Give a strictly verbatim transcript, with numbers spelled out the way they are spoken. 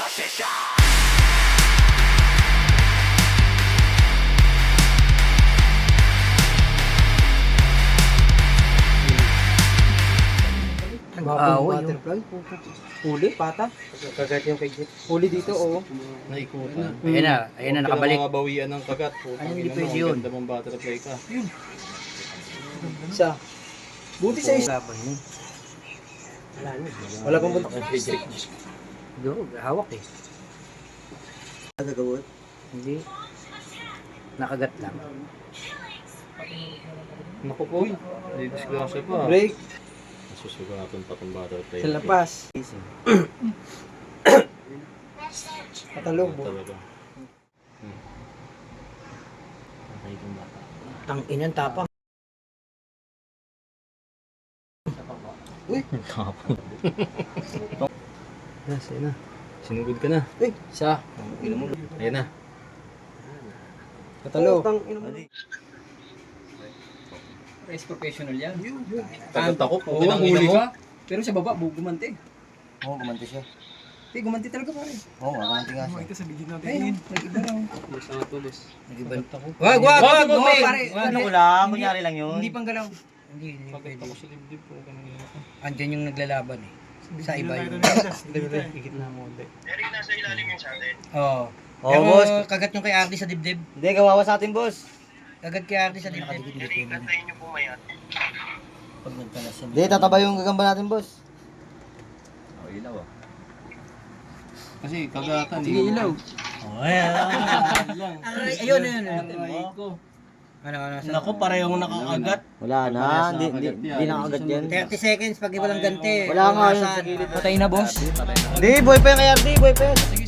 Ah, uh, butterfly. Huli, pata. Kagat yung kay Jet. Huli dito, oo. Naikutan. Ayan na, ayan na, nakabalik. Pinangangabawian ng kagat. Ano, hindi pwede yun. Ganda mong butterfly ka. Yun. Isa. Buti sa isa. Laban mo. Wala pang bunta. Duro, hawak eh. Nagagawin? Hindi. Nakagat lang. Naku po. Hindi disgrasya pa. Break. Nasusugatan pa itong butterfly. Sa lapas. Patalong mo. Talaga. Hmm. Okay itong bata. Tang inang tapang. Uy! Tapang. Yes, ayan na. Sinugod ka na. Uy! Isa. Ayan na. Patalo. Race professional yan. Kagat ako po. Oo, huli ka. Pero sa baba, bu- gumanti. Oo, gumanti siya. Eh, gumanti talaga pare. Oo, gumanti nga siya. Ito sa bigyan natin. Ayun, nag-iba lang. Nag-ibang ako. Wag, wag, wag, wag, pare. Ano ko lang, kunyari lang yun. Hindi pang galaw. Hindi, hindi Kagat pwede. ako sa dibdib po. Andyan yung naglalaban eh. Sa iba yun. Higit na mo. Hindi. Oo. Oo, Pero boss. kagat yung kay Ardy sa dibdib. Hindi, kawawa sa atin, boss. Kagat kay Ardy sa dibdib. Hindi, tataba yung gagamba natin, boss. Kasi kagatan. Sige, ilaw. Oo, ayan. Ayun, ayun, ayun. Ano, ano, sa... Naku, parehong nakakagat. Wala na, hindi hindi hindi nakakagat yan. thirty seconds pag walang ganti. Wala nga yun sa Umasan. gilid. Patay na, boss. Hindi, boy pa yan kay R D, boy pa yan.